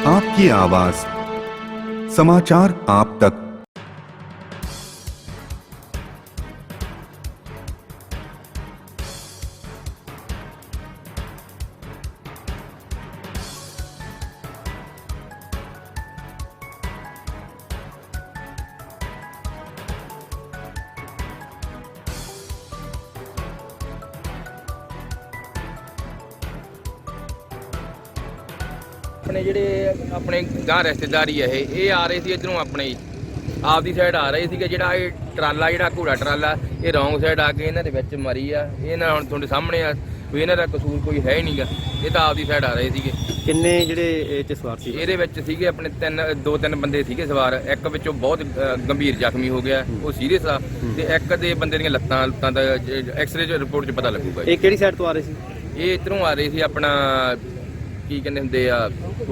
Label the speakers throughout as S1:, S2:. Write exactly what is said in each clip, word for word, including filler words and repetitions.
S1: आपकी आवाज, समाचार आप तक।
S2: अपने ਜਿਹੜੇ ਆਪਣੇ ਗਾਂ ਰਿਸ਼ਤੇਦਾਰੀ ਹੈ ਇਹ ਇਹ ਆ ਰਹੇ ਸੀ ਇਧਰੋਂ ਆਪਣੇ ਆਪਦੀ ਸਾਈਡ ਆ ਰਹੇ ਸੀਗੇ। ਜਿਹੜਾ ਇਹ ਟਰਾਲਾ ਜਿਹੜਾ ਘੋੜਾ ਟਰਾਲਾ ਇਹ ਰੌਂਗ ਸਾਈਡ ਆ ਕੇ ਇਹਨਾਂ ਦੇ ਵਿੱਚ ਮਰੀ ਆ। ਇਹ ਨਾ ਹੁਣ ਤੁਹਾਡੇ ਸਾਹਮਣੇ ਆ ਵੀ ਇਹਨਾਂ ਦਾ ਕਸੂਰ ਕੋਈ ਹੈ ਹੀ ਨਹੀਂਗਾ। ਇਹ ਤਾਂ ਆਪਦੀ ਸਾਈਡ ਆ ਰਹੇ ਸੀਗੇ।
S3: ਕਿੰਨੇ ਜਿਹੜੇ ਇਹ 'ਚ ਸਵਾਰ ਸੀ?
S2: ਇਹਦੇ ਵਿੱਚ ਸੀਗੇ ਆਪਣੇ ਤਿੰਨ ਦੋ ਤਿੰਨ ਬੰਦੇ ਸੀਗੇ ਸਵਾਰ। ਇੱਕ ਵਿੱਚੋਂ ਬਹੁਤ ਅ, ਗੰਭੀਰ ਜ਼ਖਮੀ ਹੋ ਗਿਆ, ਉਹ ਸੀਰੀਅਸ ਆ, ਤੇ ਇੱਕ ਦੇ ਬੰਦੇ ਦੀਆਂ ਲੱਤਾਂ ਲੱਤਾਂ ਦਾ ਐਕਸ-ਰੇ ਰਿਪੋਰਟ 'ਚ ਪਤਾ ਲੱਗੂਗਾ।
S3: ਇਹ ਕਿਹੜੀ ਸਾਈਡ ਤੋਂ ਆ ਰਹੇ ਸੀ?
S2: ਇਹ ਇੱਧਰੋਂ ਆ ਰਹੇ ਸੀ ਆਪਣਾ ਕੀ ਕਹਿੰਦੇ ਹੁੰਦੇ ਆ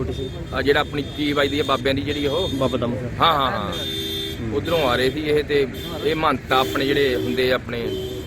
S2: ਆ ਜਿਹੜਾ ਆਪਣੀ ਕੀ ਵੱਜਦੀ ਆ ਬਾਬਿਆਂ ਦੀ ਜਿਹੜੀ ਉਹ
S3: ਬਾਬਾ ਦਮ।
S2: ਹਾਂ ਹਾਂ ਹਾਂ ਉਧਰੋਂ ਆ ਰਹੇ ਸੀ ਇਹ। ਤੇ ਇਹ ਮਹੰਤ ਆਪਣੇ ਜਿਹੜੇ ਹੁੰਦੇ ਆ ਆਪਣੇ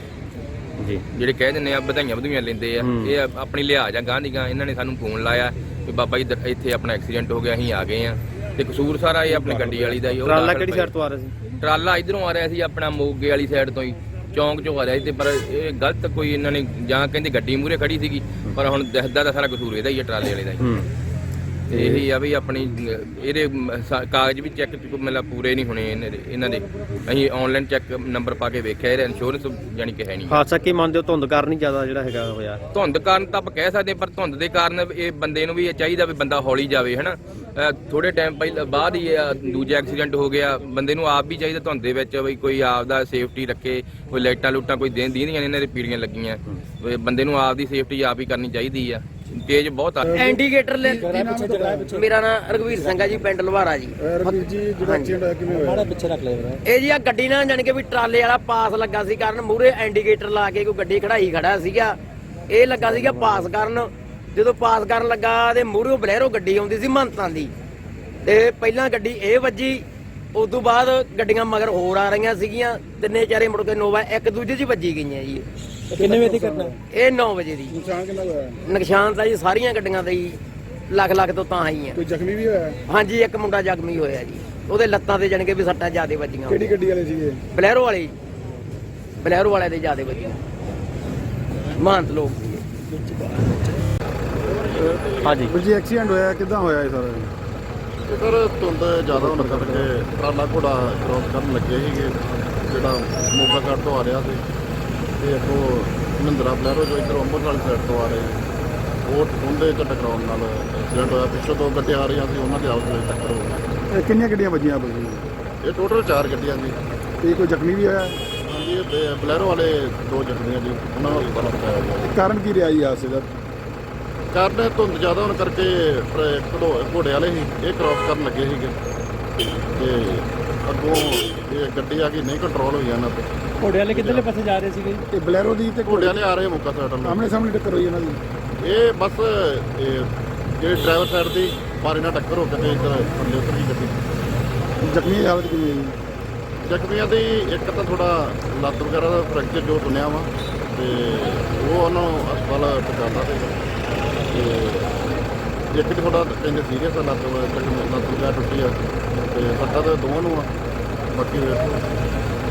S3: ਜੀ
S2: ਜਿਹੜੇ ਕਹਿ ਦਿੰਦੇ ਆ ਵਧਾਈਆਂ ਵਧੂਈਆਂ ਲੈਂਦੇ ਆ। ਇਹ ਆਪਣੀ ਲਿਹਾਜ਼ ਆ ਗਾਂ ਦੀ ਗਾਂ। ਇਹਨਾਂ ਨੇ ਸਾਨੂੰ ਫੋਨ ਲਾਇਆ ਵੀ ਬਾਬਾ ਜੀ ਦ- ਇੱਥੇ ਆਪਣਾ ਐਕਸੀਡੈਂਟ ਹੋ ਗਿਆ, ਅਸੀਂ ਆ ਗਏ ਆ। ਤੇ ਕਸੂਰ ਸਾਰਾ ਇਹ ਆਪਣੀ ਗੱਡੀ ਵਾਲੀ ਦਾ ਹੀ। ਉਹ
S3: ਟਰਾਲਾ
S2: ਦਾਖਲ
S3: ਕਿਹੜੀ
S2: ਪਏ।
S3: ਸਾਈਡ ਤੋਂ ਆ ਰਿਹਾ ਸੀ?
S2: ਟਰਾਲਾ ਇਧਰੋਂ ਆ ਰਿਹਾ ਸੀ ਆਪਣਾ ਮੋਗੇ ਵਾਲੀ ਸਾਈਡ ਤੋਂ ਹੀ, ਚੌਂਕ ਚੋਂ ਆ ਰਿਹਾ ਸੀ। ਤੇ ਪਰ ਇਹ ਗਲਤ ਕੋਈ ਇਹਨਾਂ ਨੇ ਜਾਂ ਕਹਿੰਦੇ ਗੱਡੀ ਮੂਹਰੇ ਖੜੀ ਸੀਗੀ, ਪਰ ਹੁਣ ਦਿਖਦਾ ਤਾਂ ਸਾਰਾ ਕਸੂਰ ਇਹਦਾ ਹੀ ਆ, ਟਰਾਲੇ ਵਾਲੇ ਦਾ ਹੀ। ਤੇ ਇਹੀ ਆ ਵੀ ਆਪਣੀ ਇਹਦੇ ਮ- ਸਾ- ਕਾਗਜ਼ ਵੀ ਚੈੱਕ ਮਤਲਬ ਪੂਰੇ ਨਹੀਂ ਹੋਣੇ ਇਹਨਾਂ ਦੇ ਇਹਨਾਂ ਦੇ ਅਸੀਂ ਆਨਲਾਈਨ ਚੈੱਕ ਨੰਬਰ ਪਾ ਕੇ ਵੇਖਿਆ, ਇਹਦਾ ਇੰਸ਼ੋਰੈਂਸ ਜਾਨੀ ਕਿ ਹੈ ਨਹੀਂ।
S3: ਹਾਦਸਾ ਕੀ ਮੰਨਦੇ ਹੋ? ਧੁੰਦ ਕਾਰਨ ਹੀ ਜ਼ਿਆਦਾ ਜਿਹੜਾ ਹੈਗਾ ਹੋਇਆ?
S2: ਧੁੰਦ ਕਾਰਨ ਤਾਂ ਆਪਾਂ ਕਹਿ ਸਕਦੇ ਹਾਂ, ਪਰ ਧੁੰਦ ਦੇ ਕਾਰਨ ਇਹ ਬੰਦੇ ਨੂੰ ਵੀ ਇਹ ਚਾਹੀਦਾ ਵੀ ਬੰਦਾ ਹੌਲੀ ਜਾਵੇ, ਹਨਾ। ਥੋੜੇ ਟਾਈਮ ਪਹਿਲਾਂ ਬਾਅਦ ਹੀ ਇਹ ਦੂਜਾ ਐਕਸੀਡੈਂਟ ਹੋ ਗਿਆ। ਬੰਦੇ ਨੂੰ ਆਪ ਵੀ ਚਾਹੀਦਾ ਧੁੰਦ ਦੇ ਵਿੱਚ ਵੀ ਕੋਈ ਆਪ ਦਾ ਸੇਫਟੀ ਰੱਖੇ। ਕੋਈ ਲਾਈਟਾਂ ਲੂਟਾਂ ਕੋਈ ਦੇਣ ਦੀਆਂ ਇਹਨਾਂ ਦੇ ਪੀੜੀਆਂ ਲੱਗੀਆਂ, ਵੀ ਬੰਦੇ ਨੂੰ ਆਪ ਦੀ ਸੇਫਟੀ ਆਪ ਹੀ ਕਰਨੀ ਚਾਹੀਦੀ ਆ। ਤੇਜ਼ ਬਹੁਤ ਆ।
S4: ਇੰਡੀਕੇਟਰ ਲੈ ਮੇਰਾ ਨਾਮ ਰਘਵੀਰ ਸਿੰਘ ਆ ਜੀ, ਪਿੰਡ ਲਵਾਰਾ ਜੀ।
S5: ਰਵੀਰ ਜੀ, ਜਿਹੜਾ ਐਕਸੀਡੈਂਟ ਹੋਇਆ ਕਿਵੇਂ ਹੋਇਆ?
S3: ਪਿੱਛੇ ਰੱਖ ਲਿਆ
S4: ਇਹ ਜੀ ਆ ਗੱਡੀ ਨਾਲ ਜਾਣੀ ਕਿ ਵੀ ਟਰਾਲੇ ਵਾਲਾ ਪਾਸ ਲੱਗਾ ਸੀ ਕਰਨ ਮੂਹਰੇ ਇੰਡੀਕੇਟਰ ਲਾ ਕੇ ਕੋਈ ਗੱਡੀ ਖੜਾਈ ਖੜਾ ਸੀਗਾ। ਇਹ ਲੱਗਾ ਸੀਗਾ ਪਾਸ ਕਰਨ। ਜਦੋਂ ਪਾਸ ਕਰਨ ਲੱਗਾ ਤੇ ਮੂਹਰੇ ਬਲੈਰੋ ਗੱਡੀ ਆਉਂਦੀ ਸੀ ਮਹੰਤਾਂ ਦੀ, ਤੇ ਪਹਿਲਾਂ ਗੱਡੀ ਇਹ ਵੱਜੀ। ਉਸ ਤੋਂ ਬਾਅਦ ਗੱਡੀਆਂ ਮਗਰ ਹੋਰ ਆ ਰਹੀਆਂ ਸੀਗੀਆਂ, ਤਿੰਨੇ ਚਾਰੇ ਮੁੜ ਕੇ ਨੋਵਾ ਇੱਕ ਦੂਜੇ 'ਚ ਹੀ ਵੱਜੀ ਗਈਆਂ ਜੀ।
S3: ਕਿੰਨੇ ਵਜੇ ਦੀ ਘਟਨਾ?
S4: ਇਹ ਨੌ ਵਜੇ ਦੀ।
S5: ਨੁਕਸਾਨ ਕਿੰਨਾ ਹੋਇਆ?
S4: ਨੁਕਸਾਨ ਤਾਂ ਜੀ ਸਾਰੀਆਂ ਗੱਡੀਆਂ ਦਾ ਹੀ ਲੱਖ ਲੱਖ ਤੋਂ ਤਾਂ ਹੀ ਆ।
S5: ਕੋਈ ਜ਼ਖਮੀ ਵੀ ਹੋਇਆ?
S4: ਹਾਂਜੀ, ਇੱਕ ਮੁੰਡਾ ਜ਼ਖਮੀ ਹੋਇਆ ਜੀ। ਉਹਦੇ ਲੱਤਾਂ ਤੇ ਜਾਣ ਕੇ ਵੀ ਸੱਟਾਂ ਜ਼ਿਆਦੇ ਵੱਜੀਆਂ।
S5: ਕਿਹੜੀ ਗੱਡੀ ਵਾਲੇ ਸੀਗੇ?
S4: ਬਲੈਰੋ ਵਾਲੇ ਬਲੈਰੋ ਵਾਲੇ ਦੇ ਜ਼ਿਆਦੇ ਵੱਜੀਆਂ, ਮਹੰਤ ਲੋਕ।
S3: ਹਾਂਜੀ
S5: ਵੀਰ ਜੀ, ਐਕਸੀਡੈਂਟ ਹੋਇਆ ਕਿੱਦਾਂ ਹੋਇਆ ਇਹ ਸਾਰਾ?
S6: ਤੇ ਸਰ ਧੁੰਦ ਜ਼ਿਆਦਾ ਹੋਣ ਕਰਕੇ ਟਰਾਲਾ ਘੋੜਾ ਕ੍ਰੋਸ ਕਰਨ ਲੱਗੇ ਸੀਗੇ, ਜਿਹੜਾ ਮੋਗਾ ਘਾਟ ਤੋਂ ਆ ਰਿਹਾ ਸੀ, ਤੇ ਅੱਗੋਂ ਮਹਿੰਦਰਾ ਬਲੈਰੋ ਜੋ ਇੱਧਰੋਂ ਅੰਮ੍ਰਿਤਸਰ ਵਾਲੀ ਸਾਈਡ ਤੋਂ ਆ ਰਹੇ, ਉਹ ਉਹਦੇ ਚ ਟਕਰਾਉਣ ਨਾਲ ਐਕਸੀਡੈਂਟ ਹੋਇਆ। ਪਿੱਛੋਂ ਦੋ ਗੱਡੀਆਂ ਆ ਰਹੀਆਂ ਸੀ, ਉਹਨਾਂ ਦੇ ਆਪਸ ਵਿੱਚ ਟੱਕਰ ਹੋ ਗਈ।
S5: ਇਹ ਕਿੰਨੀਆਂ ਗੱਡੀਆਂ ਵੱਜੀਆਂ ਆਪਸ ਵਿੱਚ?
S6: ਇਹ ਟੋਟਲ ਚਾਰ ਗੱਡੀਆਂ ਸੀ।
S5: ਤੇ ਕੋਈ ਜ਼ਖਮੀ ਵੀ ਹੋਇਆ?
S6: ਹਾਂਜੀ, ਇਹ ਬ- ਬਲੈਰੋ ਵਾਲੇ ਦੋ ਜ਼ਖਮੀ ਆ ਜੀ, ਉਹਨਾਂ ਨੂੰ ਹਸਪਤਾਲ ਪਹੁੰਚਾਇਆ ਗਿਆ।
S5: ਕਾਰਨ ਕੀ ਰਿਹਾ ਜੀ ਹਾਦਸੇ ਦਾ?
S6: ਕਾਰਨ ਧੁੰਦ ਜ਼ਿਆਦਾ ਹੋਣ ਕਰਕੇ ਟਰ- ਘੜੋ- ਘੋੜੇ ਵਾਲੇ ਸੀ, ਇਹ ਕ੍ਰੋਸ ਕਰਨ ਲੱਗੇ ਸੀਗੇ, ਤੇ ਅੱਗੋਂ ਇਹ ਗੱਡੀ ਆ ਗਈ, ਨਹੀਂ ਕੰਟਰੋਲ ਹੋਈ ਇਹਨਾਂ ਤੋਂ।
S3: ਘੋੜੇ ਵਾਲੇ ਕਿੱਧਰਲੇ ਪਾਸੇ ਜਾ ਰਹੇ ਸੀਗੇ?
S5: ਇਹ ਬਲੈਰੋ ਦੀ ਤੇ
S6: ਘੋੜੇ ਵਾਲੇ ਆ ਰਹੇ ਮੋਗਾ ਸਾਈਡ ਵੱਲ।
S5: ਆਮਣੇ ਸਾਹਮਣੇ ਟੱਕਰ ਹੋਈ ਇਹਨਾਂ ਦੀ?
S6: ਇਹ ਬਸ ਇਹ ਜਿਹੜੇ ਡਰਾਈਵਰ ਸਾਈਡ ਦੀ ਮਾਰੇ ਨਾਲ ਟੱਕਰ ਹੋ ਕੇ ਤੇ ਇੱਧਰ ਥੱਲੇ ਉਤਰ ਗਈ ਗੱਡੀ।
S5: ਜ਼ਖਮੀ ਦੀ ਹਾਲਤ ਕਿਵੇਂ ਹੈ ਜੀ?
S6: ਜ਼ਖਮੀਆਂ ਦੀ ਇੱਕ ਤਾਂ ਥੋੜਾ ਲੱਤ ਵਗੈਰਾ ਦਾ ਫ੍ਰੈਕਚਰ ਜੋ ਸੁਣਿਆ ਵਾ, ਤੇ ਉਹ ਉਹਨਾਂ ਨੂੰ ਹਸਪਤਾਲ ਪਹੁੰਚਾਉਣਾ ਤੇ ਇੱਕ ਤੇ ਥੋੜਾ ਕਹਿੰਦੇ ਸੀਰੀਅਸ ਆ, ਲੱਤ ਲੱਤ ਵਗੈਰਾ ਟੁੱਟੀ ਆ, ਤੇ ਸੱਟਾਂ ਤਾਂ ਦੋਵਾਂ ਨੂੰ ਆ। ਬਾਕੀ ਵੇਖੋ